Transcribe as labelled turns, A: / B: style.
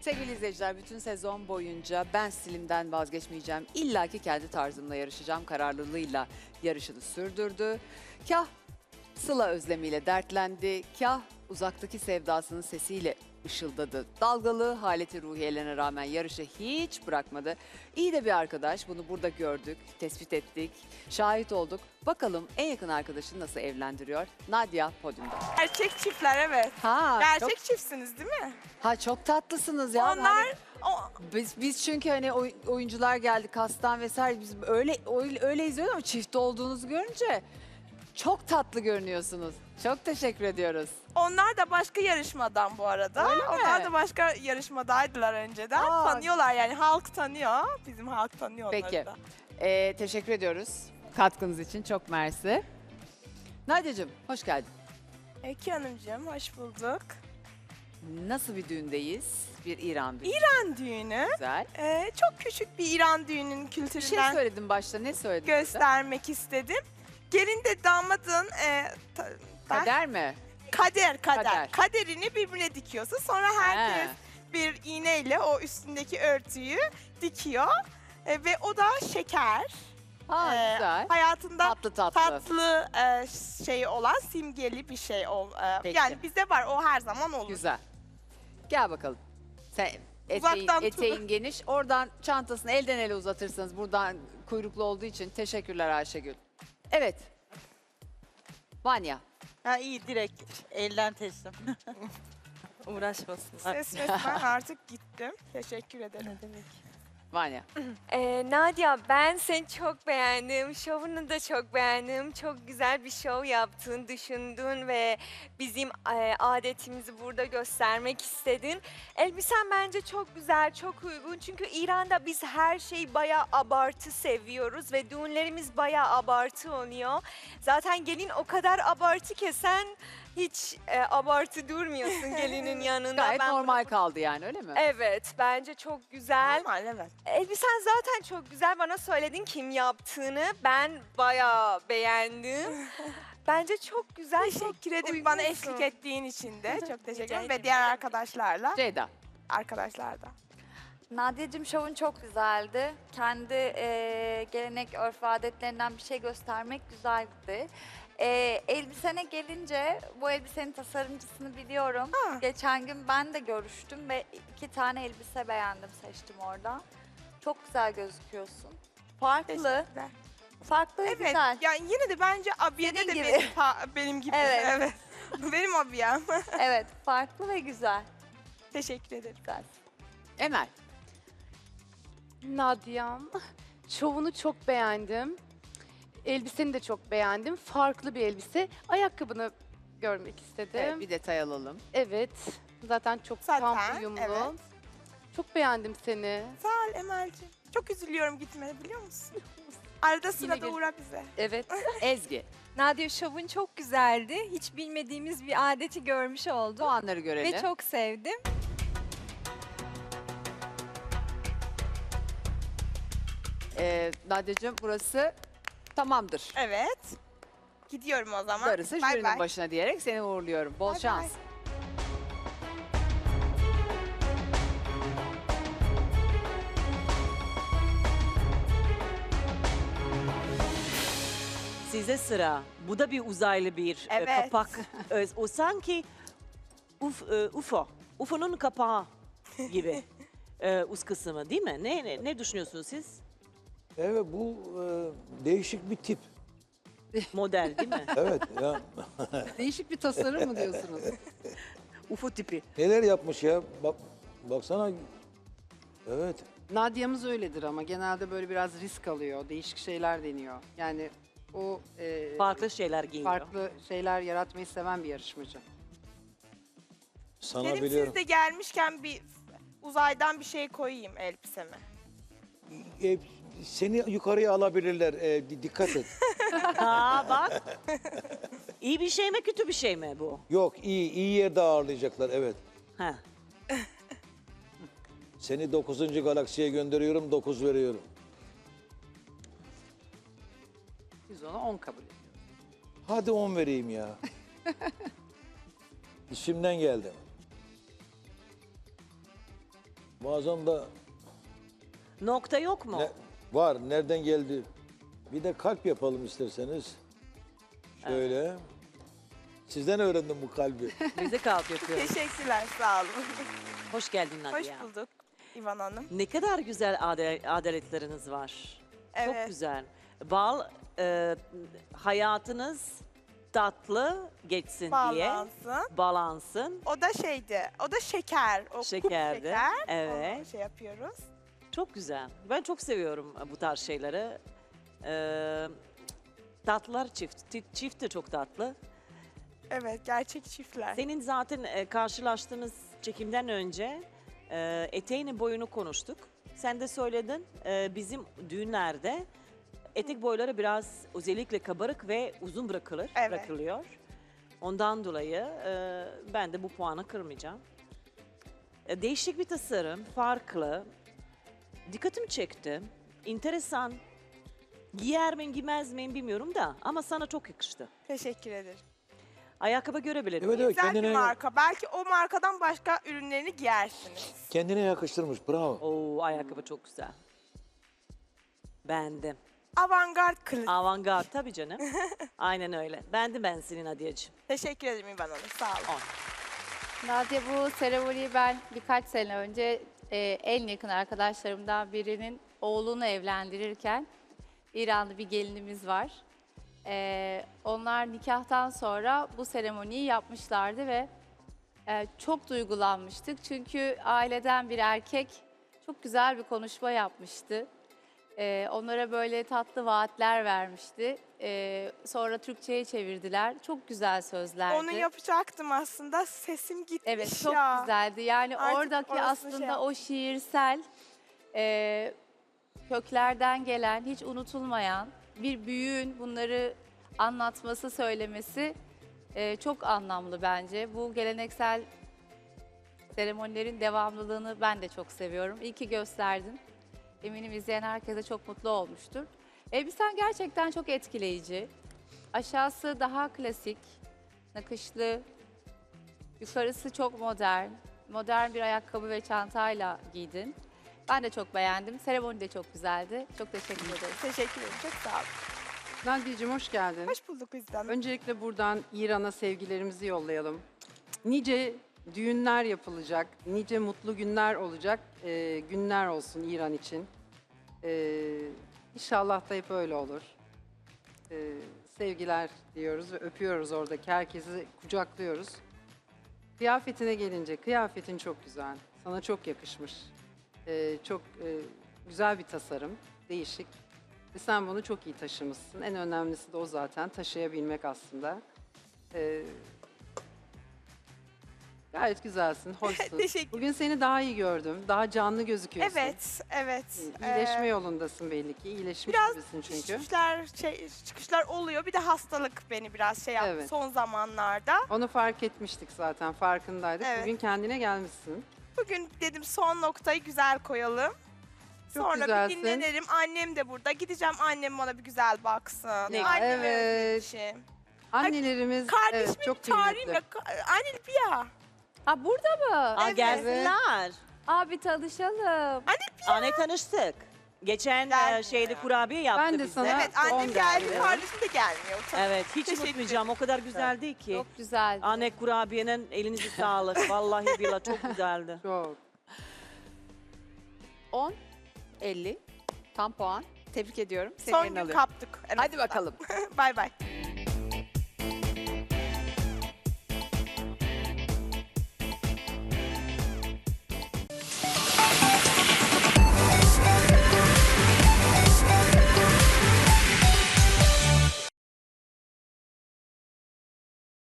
A: Sevgili izleyiciler, bütün sezon boyunca ben stilimden vazgeçmeyeceğim. İlla ki kendi tarzımla yarışacağım kararlılığıyla yarışını sürdürdü. Kah Sıla özlemiyle dertlendi, kah uzaktaki sevdasının sesiyle ışıldadı. Dalgalı haleti ruhiyelerine rağmen yarışı hiç bırakmadı. İyi de bir arkadaş, bunu burada gördük, tespit ettik, şahit olduk. Bakalım en yakın arkadaşını nasıl evlendiriyor? Nadia podyumda.
B: Gerçek çiftler evet.
A: Ha,
B: Gerçek çiftsiniz değil mi?
A: çok tatlısınız ya.
B: Onlar
A: Hani
B: o,
A: biz çünkü hani oyuncular geldi kastan vesaire biz öyle izliyoruz ama çift olduğunuzu görünce çok tatlı görünüyorsunuz. Çok teşekkür ediyoruz.
B: onlar da başka yarışmadan bu arada.
A: Öyle mi?
B: Onlar da başka yarışmadaydılar önceden.
A: Aa.
B: Tanıyorlar yani halk tanıyor. Bizim halk tanıyor onları
A: Peki.
B: da.
A: Teşekkür ediyoruz katkınız için. Çok mersi. Nadia'cığım hoş geldin.
B: Eki Hanımcığım hoş bulduk.
A: Nasıl bir düğündeyiz? Bir İran düğünü.
B: İran düğünü.
A: Güzel.
B: Çok küçük bir İran düğününün
A: Bir şey
B: kültüründen
A: söyledim başta. Ne söyledin?
B: göstermek istedim. Gelin de damadın
A: Kader mi?
B: kader.
A: Kader.
B: Kaderini birbirine dikiyorsun. Sonra herkes
A: He.
B: bir iğneyle o üstündeki örtüyü dikiyor. Ve o da şeker.
A: Ha,
B: Ee,
A: güzel.
B: Hayatında
A: Tatlı tatlı.
B: tatlı şey olan simgeli bir şey.
A: Peki.
B: Yani bizde var o her zaman olur.
A: Güzel. Gel bakalım. Sen
B: Uzaktan
A: eteğin geniş. Oradan çantasını elden ele uzatırsanız buradan kuyruklu olduğu için teşekkürler Ayşegül. Evet. Vanya.
C: Ha iyi direkt elden teslim. Uğraşmasınlar.
B: Ses resmen artık gittim. Teşekkür ederim.
A: Vanya.
D: Nadia ben seni çok beğendim. Şovunu da çok beğendim. Çok güzel bir şov yaptın, düşündün ve bizim adetimizi burada göstermek istedin. Elbisen bence çok güzel, çok uygun. Çünkü İran'da biz her şeyi bayağı abartı seviyoruz ve düğünlerimiz bayağı abartı oluyor. Zaten gelin o kadar abartı ki sen hiç abartı durmuyorsun gelinin yanında.
A: Gayet
D: Ben bunu-
A: normal kaldı yani öyle mi?
D: Evet, bence çok güzel.
B: Normal evet.
D: Elbisen zaten çok güzel. Bana söyledin kim yaptığını. Ben bayağı beğendim. Bence çok güzel. çok
B: Teşekkür ederim bana
D: uygunsun.
B: eşlik ettiğin için de. Çok teşekkür ederim. Ve
D: ederim.
B: diğer arkadaşlarla.
A: Ceyda.
B: Arkadaşlar da.
E: Nadia'cığım şovun çok güzeldi. Kendi gelenek, örf ve adetlerinden bir şey göstermek güzeldi. Elbisene gelince bu elbisenin tasarımcısını biliyorum.
B: Ha.
E: Geçen gün ben de görüştüm ve 2 tane elbise beğendim, seçtim orada. Çok güzel gözüküyorsun. Farklı,
B: Teşekkürler.
E: farklı ve
B: Evet.
E: güzel.
B: Yani yine de bence abiyede
E: Senin
B: de
E: gibi.
B: benim gibi.
E: Evet.
B: Evet. Benim abiyem.
E: Evet, farklı ve güzel.
B: Teşekkür ederim.
E: Güzel.
A: Emel.
F: Nadia'm, şovunu çok beğendim. Elbiseni de çok beğendim. Farklı bir elbise. Ayakkabını görmek istedim.
A: Evet, bir detay alalım.
F: Evet. Zaten çok tam
B: Zaten,
F: uyumlu.
B: evet.
F: Çok beğendim seni.
B: Sağ ol Emel'ciğim. Çok üzülüyorum gitmene biliyor musun? Arada sırada
F: gel-
B: uğra bize.
F: Evet.
A: Ezgi.
G: Nadia şovun çok güzeldi. Hiç bilmediğimiz bir adeti görmüş oldum.
A: Puanları görelim.
G: Ve çok sevdim.
A: Nadia'cığım burası tamamdır.
B: Evet. Gidiyorum o zaman.
A: Darısı
B: Bay
A: jürinin
B: bay.
A: başına diyerek seni uğurluyorum. Bol
B: Bay
A: şans.
B: bay.
H: Size sıra. Bu da bir uzaylı bir
B: Evet.
H: kapak. O sanki UFO. UFO'nun kapağı gibi. Üst kısmı değil mi? Ne düşünüyorsunuz siz?
I: Evet bu değişik bir tip.
H: Model değil mi?
I: Evet ya
A: Değişik bir tasarım mı diyorsunuz?
H: UFO tipi.
I: neler yapmış ya. Baksana. Evet.
J: Nadia'mız öyledir ama genelde böyle biraz risk alıyor, değişik şeyler deniyor. Yani o
H: Farklı şeyler giyiniyor.
J: farklı şeyler yaratmayı seven bir yarışmacı.
I: Sana
B: Dedim
I: biliyorum.
B: siz de gelmişken bir uzaydan bir şey koyayım elbiseme.
I: Seni yukarıya alabilirler. Dikkat et.
H: Ha bak. İyi bir şey mi kötü bir şey mi bu?
I: Yok iyi yerde ağırlayacaklar evet.
H: Ha.
I: Seni 9. galaksiye gönderiyorum 9 veriyorum.
J: Biz ona 10 kabul ediyoruz.
I: Hadi 10 vereyim ya. İçimden geldi. Bazen de
H: Nokta yok mu?
I: var. Nereden geldi? Bir de kalp yapalım isterseniz. Şöyle. Sizden öğrendim bu kalbi.
H: Bize kalp yapıyoruz.
B: Teşekkürler, sağ olun.
H: Hoş geldin Nadia.
B: Hoş bulduk İvan Hanım.
H: Ne kadar güzel adaletleriniz var. Çok
B: Evet.
H: güzel. Hayatınız tatlı geçsin diye.
B: Bağlansın.
H: Balansın.
B: O da şeydi, o da şeker. O kup
H: Şekerdi,
B: şeker.
H: evet.
B: Onu şey yapıyoruz.
H: Çok güzel. Ben çok seviyorum bu tarz şeyleri. Tatlılar çift. Çift de çok tatlı.
B: Evet, gerçek çiftler.
H: Senin zaten karşılaştığımız çekimden önce eteğinin boyunu konuştuk. Sen de söyledin bizim düğünlerde etek boyları biraz özellikle kabarık ve uzun bırakılıyor. Ondan dolayı ben de bu puanı kırmayacağım. Değişik bir tasarım, farklı. Dikkatimi çekti. Enteresan. Giyer miyim, giymez miyim bilmiyorum da ama sana çok yakıştı.
B: Teşekkür ederim.
H: Ayakkabı görebilir
I: Evet,
H: miyim?
I: evet.
B: Güzel bir
I: Kendine,
B: marka. Belki o markadan başka ürünlerini giyersiniz.
I: kendine yakıştırmış. Bravo.
H: Oo, ayakkabı çok güzel. Beğendim.
B: Avantgard kılıç.
H: Avantgard tabii canım. Aynen öyle. Beğendim ben senin Hadiyeciğim.
B: Teşekkür ederim İvan Hanım, sağ olun.
K: Nadia, bu seremoniyi ben birkaç sene önce en yakın arkadaşlarımdan birinin oğlunu evlendirirken İranlı bir gelinimiz var. Onlar nikahtan sonra bu seremoniyi yapmışlardı ve çok duygulanmıştık. Çünkü aileden bir erkek çok güzel bir konuşma yapmıştı. Onlara böyle tatlı vaatler vermişti. Sonra Türkçe'ye çevirdiler. Çok güzel sözlerdi.
B: Onu yapacaktım aslında. Sesim gitmiş
K: Evet, çok
B: ya.
K: güzeldi. Yani
B: Artık
K: oradaki
B: orasını
K: aslında
B: şey yap-
K: o şiirsel köklerden gelen, hiç unutulmayan bir büyüğün bunları anlatması, söylemesi çok anlamlı bence. Bu geleneksel seremonilerin devamlılığını ben de çok seviyorum. İyi ki gösterdin. Eminim izleyen herkese çok mutlu olmuştur. Elbisen gerçekten çok etkileyici. Aşağısı daha klasik, nakışlı. Yukarısı çok modern. Modern bir ayakkabı ve çantayla giydin. Ben de çok beğendim. Seremoni de çok güzeldi. Çok teşekkür ederim.
B: Teşekkür ederim, çok sağ olun.
J: Nadia'cığım hoş geldin.
B: Hoş bulduk bizden.
J: Öncelikle buradan İran'a sevgilerimizi yollayalım. Nice düğünler yapılacak, nice mutlu günler olacak günler olsun İran için. İnşallah da hep öyle olur. Sevgiler diyoruz ve öpüyoruz oradaki herkesi kucaklıyoruz. Kıyafetine gelince, kıyafetin çok güzel. Sana çok yakışmış. Çok güzel bir tasarım, değişik. Ve sen bunu çok iyi taşımışsın. En önemlisi de o zaten, taşıyabilmek aslında. Gayet güzelsin, hoşsun.
B: Teşekkür.
J: Bugün seni daha iyi gördüm, daha canlı gözüküyorsun.
B: Evet, evet.
J: İyileşme yolundasın belli ki. İyileşmiş
B: biraz
J: gibisin çünkü.
B: çıkışlar oluyor. Bir de hastalık beni biraz şey yaptı
J: Evet.
B: son zamanlarda.
J: Onu fark etmiştik zaten, farkındaydık.
B: Evet.
J: Bugün kendine gelmişsin.
B: Bugün dedim son noktayı güzel koyalım.
J: Çok
B: Sonra
J: güzelsin.
B: bir dinlenirim. Annem de burada. Gideceğim, annem bana bir güzel baksın.
H: Ne-
B: Annemi
J: Evet.
B: özlemişim.
J: Annelerimiz
B: Kardeşimi
J: evet, çok
B: çağırayım
J: kıymetli.
B: da. Anne bir ya.
K: Aa, burada mı?
H: Aa,
B: Evet.
H: gelsinler.
K: Abi tanışalım.
H: Anne tanıştık. Geçen
B: Geldi
H: şeyde
B: ya.
H: kurabiye yaptı
J: Ben de
H: bize.
J: sana-
B: Evet, annem
J: on
B: geldi.
J: geldi.
B: Kardeşim de gelmiyor.
H: Evet, hiç
B: Teşekkür
H: unutmayacağım. O kadar güzeldi ki.
K: Çok güzeldi.
H: Anne kurabiyenin elinize sağlık. Vallahi billahi çok güzeldi.
J: Çok.
A: 10, 50. Tam puan. Tebrik ediyorum. Seni
B: Son
A: yerine
B: gün
A: alıyorum.
B: kaptık.
A: Hadi bakalım.
B: Bay bay.